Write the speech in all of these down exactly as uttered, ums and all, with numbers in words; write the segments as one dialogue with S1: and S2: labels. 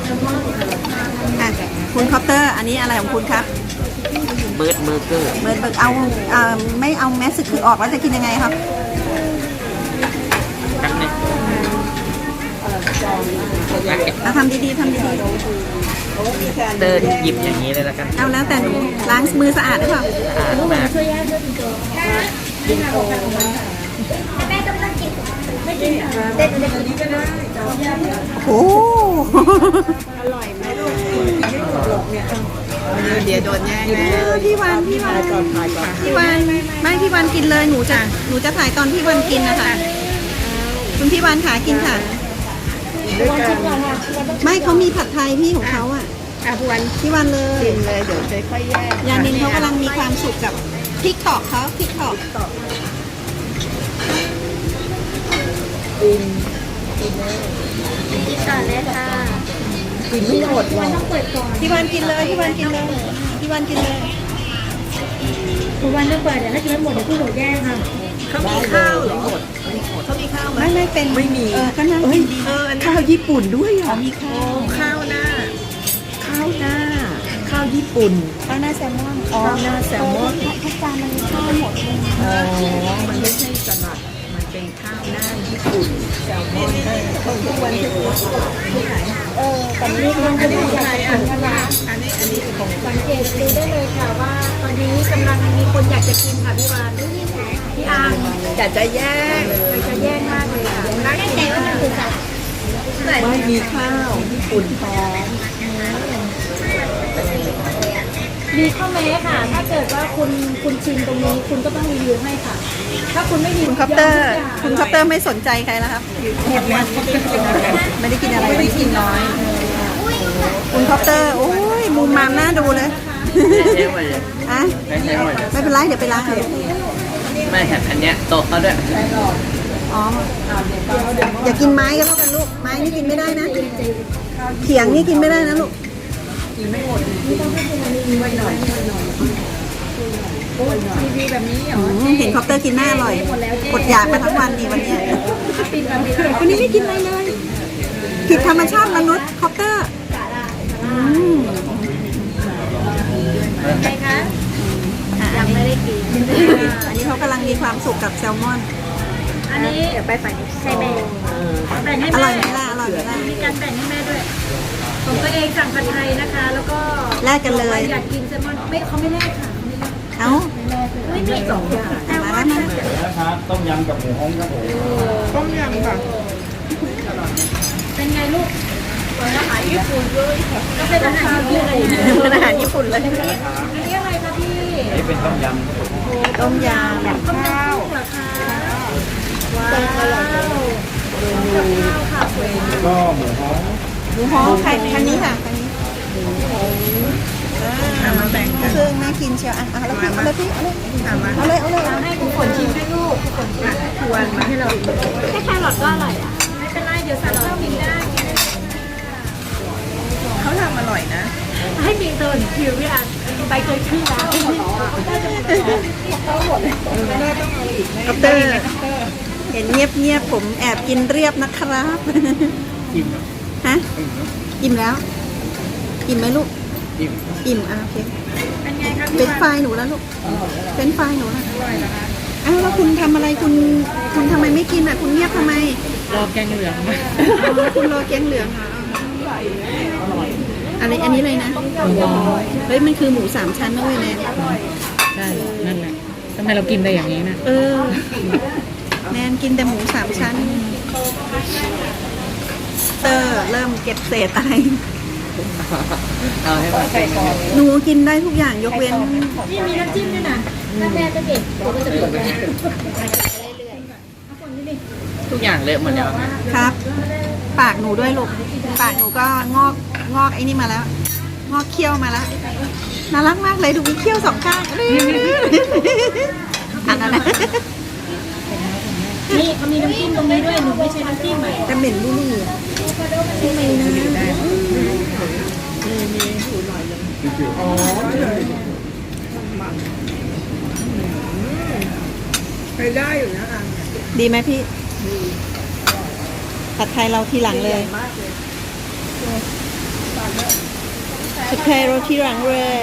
S1: อ่ะคุณคอปเตอร์อันนี้อะไรของคุณครับ
S2: เบิร์ดเบอร์เกอร์
S1: เบิร์ดเบิร์กเอาเอ่อไม่เอาแมสคือออกแล้วจะกินยังไงครับ
S2: ครับเนี่ย
S1: เราทำดีๆทำดี
S2: เดินหยิบอย่างนี้เลยละกัน
S1: ๆเอาแล้วแต่หนูล้างมือสะอาดหรือเปล่า
S2: สะอาดมาก
S3: แม่ต้องต้องกินไม่กินเด็ดเด็ดนี้ก็ได้
S1: โอ้
S3: อร่อยไหมลูก
S1: เดี๋ยวโดนแย่งแน่พี่วันพี่วันพี่วันไม่พี่วันกินเลยหนูจะหนูจะถ่ายตอนพี่วันกินนะคะคุณพี่วันขากินค่ะไม่เขามีผัดไทยพี่ของเขาอ่ะพี่วันพี่วันเลยกินเลยเดี๋ยวจะค่อยแยกยานินเขากำลังมีความสุขกับพริกถอกเขาพริกถอก
S3: กินกินเลยกินต่อเลยค่ะ
S1: กินไม่หมดหรอกพี่วันกินเลยพี่วันกินเลยพี่วันกินเลย
S3: คุณวันต้องเปิดเดี๋ยวถ้ากินไม่หมดเดี๋ยวผู้หนูแย่งค่ะ
S1: เขามีข้าวเหรอเขามีข้าวไหมไม่ไม่เป็นไม่มีเออก็นั่งกินดีข้าวญี่ปุ่นด้วยเหรอมีข้าวข้าวหน้าข้าวหน้าข้าวญี่ปุ่นข้าวหน้าแซลมอนข้าวหน้าแซลมอน
S3: ทุกจานมันมีข้าวหมดเลย
S1: อ๋อมันไม่ใช่สลัดมันเป็นข้าวหน้าญี่ปุ่นแซลมอนทุกวันที่ไหน
S3: เออตอนนี้มันจะได้ใหญ่อันนี้
S1: อันนี้อันนี้ของ
S3: สังเกตดูได้เลยค่ะว่าตอนนี้กำลังมีคนอยากจะกินค่ะพี่วานพี่อาง
S1: อยากจะแย่ง
S3: อยากจะแย่งมากเลยค่ะร้านแต่ว่ามันคือสัตว์
S1: ไม่มีข้าวญี่ปุ่นพร้อม
S3: มีข้อแม้ค่ะ ถ้าเกิดว่าคุณคุณชิมตรงนี้คุณก็ต้องรีวิวให้ค่ะถ้าคุณไม่รีวิว
S1: คุณคอปเตอร์คุณคอปเตอร์ไม่สนใจใครแล้วครับหมดแล้วไม่ได้กินอะไรไม่ได้กินน้อยคุณคอปเตอร์โอ้ยมุมมามน่าดูเลยอะไม่เป็นไรเดี๋ยวไปล้างเอา
S2: ไม่แถมอันเนี้ยโต๊ะเขาด้วย
S1: อ๋ออย่ากินไม้ก็แล้วกันลูกไม้นี่กินไม่ได้นะเขียงนี่กินไม่ได้นะลูกกินไม่หมดไว้หน่อย
S3: รีวิวแบบนี้เหรอ
S1: เห็นคอปเตอร์กินหน้าอร่อยกดอยากมาทั้งวันดีวันนี้วันนี้ไม่กินอะไรเลยผิดธรรมชาติมนุษย์คอปเตอร์
S3: ไงคะยังไม่ได้กิน
S1: อันนี้เขากำลังมีความสุขกับแซลมอน
S3: อันนี้เดี๋ยวไปฝ่ายใส่แบ่งแบ่งให้
S1: แม่อร่
S3: อย
S1: ไหมล่ะอร่อยไหมล่ะ
S3: มีการแบ่งให้แม่ด้วยของตัวเองสั่งผัดไทยนะคะแล้วก็
S1: แลกกันเลย
S3: อยากกินแซลมอนไม่เขาไม่แลกค่ะ
S1: เอ้า
S3: ไม่มีสองอย่างแต่ว่า
S4: นะครับต้มยำกับหมูฮ้องครับผม
S1: ต้มยำค่ะ
S3: เป็นไงลูกเป็นอาหารญี่ปุ่นเลยก็เป็นอาหารญี่ปุ่นเลย
S1: เป็นอาหารญี่ปุ่นเลย
S3: อันนี้อะไรคะพี่
S4: นี่เป็นต้มยำ
S1: ต้มยำแบบข้าว
S3: เหรอคะว้าวข้าวค่ะ
S4: ก็หมูฮ้อง
S1: หมูฮ้องใครคันนี้ค่ะคันนี้อ่ามาแบ่งกันซึ่งน่ากินเชียวอ่ะเอาเลยพี่เอาเลยพี่เอาเลยเอาเลยเอาเลย
S3: ให้คุณฝนชิมให้ลูกคุณฝนชิม
S1: ทวนมาให้เรา
S3: แค่แครอทก็อร่อยอ่ะไม่เป็นไรเดี๋ยวสั่งข้าวกินได้
S1: เขาทำอร่อยนะ
S3: ให้มีเติร์นคิวพี่อันไปเคยชื่อร้าน
S1: คอปเตอร์เห็นเงียบเงียบผมแอบกินเรียบนะครับ
S2: อิ่ม
S1: ฮะอิ่มแล้วอิ่มไหมลูก
S2: อิ่ม
S1: อิ่มอ่ะโอเค
S3: เป็นไงคะ
S1: เป็นไฟหนูแล้วลูกเป็นไฟหนูแล้วอ้าวแล้วคุณทำอะไรคุณคุณทำไมไม่กินอ่ะคุณเงียบทำไม
S2: รอแกงเหลือง
S1: คุณรอแกงเหลืองอะไรอันนี้เลยนะเฮ้ยมันคือหมูสามชั้นนะเว้ยแนน
S2: ใช่นั่นแหละทำไมเรากินได้อย่างนี้นะ
S1: เออแนนกินแต่หมูสามชั้นเตอร์เริ่มเก็บเศษอะไร
S2: เอาให้มาใส่ก่อน
S1: หนูกินได้ทุกอย่างยกเว้น
S3: นี่มีน้ำจิ้มด้วยนะถ้าแม่จะเก็บตัวก็จะเปิดไป
S2: ทุกอย่างเลอะหมดแล้ว
S1: ครับปากหนูด้วยลูกปากหนูก็งอกงอกไอ้นี่มาแล้วงอกเขี้ยวมาแล้วน่ารักมากเลยดูมีเขี้ยวสองข้างอันนั้นนะ
S3: นี่เขามีน้ำจิ้มตรงนี้ด้วยหนูไม่ใช่น้ำจิ้มใหม่
S1: จะเหม็นบุหรี่ทำไมนะอ๋อไปได้อยู่นะอ่ะดีไหมพี่ผัดไทยเราทีหลังเลยผัดไทยรสที่หลังเลย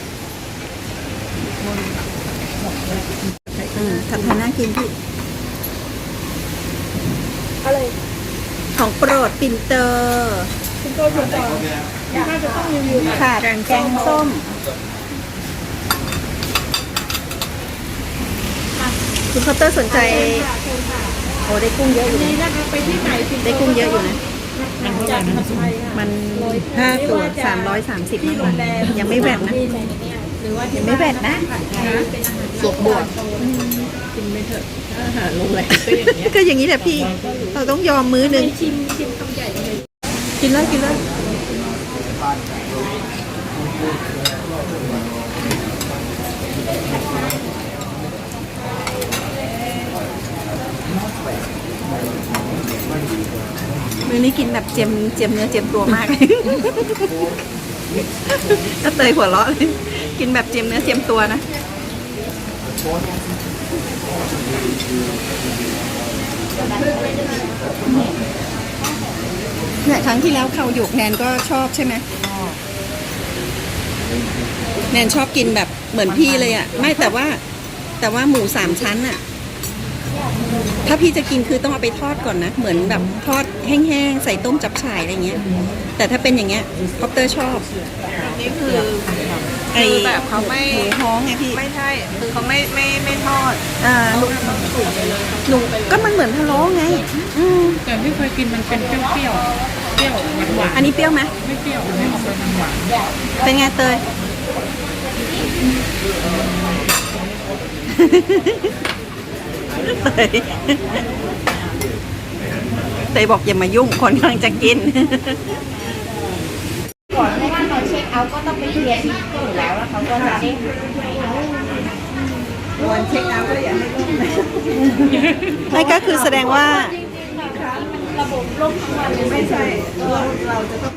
S1: อืมผัดไทยน่ากินพี่
S3: อะไร
S1: ของโปรดปิ่นเตอร์
S3: คุณโก้ถูกต้องน่าจะต้องรีวิว
S1: ค่ะแกงส้ม คุณเคาน์เตอร์สนใจ
S3: ค่ะเชิญค่ะ
S1: โอ้ได้กุ้งเยอะอยู่
S3: นี่
S1: นะ
S3: นะคะไปที่ไหนสิ
S1: ได้กุ้งเยอะอยู่นะ
S2: มันเท่าไหร่นะ
S1: มันห้าตัวสามร้อยสามสิบนะยังไม่แบตนะ
S3: หรือว่า
S1: ยังไม่แบตนะ
S2: สวกบวกกินไม่เถอะอาหารโรงแรมก็อย่างเงี้ย
S1: ก็อย่างนี้แหละพี่ เราต้องยอมมื้อหนึ่ง
S3: ชิมชิมคำใหญ่เลย
S1: กินแล้วกินแล้วมื้อนี้กินแบบเจียมเจียมเนื้อเจียมตัวมาก ก็เตยหัวเราะเลยกินแบบเจียมเนื้อเจียมตัวนะเนี่ยครั้งที่แล้วเขาหยกแนนก็ชอบใช่ไหมแนนชอบกินแบบเหมือนพี่เลยอ่ะ ไม่แต่ว่า แต่ว่าหมูสามชั้นอ่ะ ถ้าพี่จะกินคือต้องเอาไปทอดก่อนนะ เหมือนแบบทอดแห้งๆใส่ต้มจับฉ่ายอะไรเงี้ย แต่ถ้าเป็นอย่างเงี้ยคอปเตอร์ชอบ
S5: นี่คือ
S1: ไอ้
S5: คือแบบเขาไม่
S1: หมูฮ้องไงพี่
S5: ไม่ใช่คือเขาไม่ไม่ไม่ทอด
S1: อ่าหนูหนูก็มันเหมือนพะโล้ไง อืม
S2: แต่ที่เคยกินมันเป็นเปรี้ยวๆเปรี้ยวหวาน
S1: อันนี้เปรี้ยวไหม
S2: ๆไม่เปรี้ยวไม่ออกเป็นหวาน
S1: เป็นไงเตย เตยเตยบอกอย่ามายุ่งคนกำลังจะกิน
S3: ก่อนเพราะว่าตอนเช็คเอาท์ก็ต้องไปเคลียร์ที่ตู้อยู่แล้วแล้วเขาก็จะได้
S1: วันเช็คเอาท์ก็อย่าให้ล่มนั่นก็คือแสดงว่า
S3: ระบบล่มทั้งวันเลยไม่ใช่
S1: เราเราจะต้อง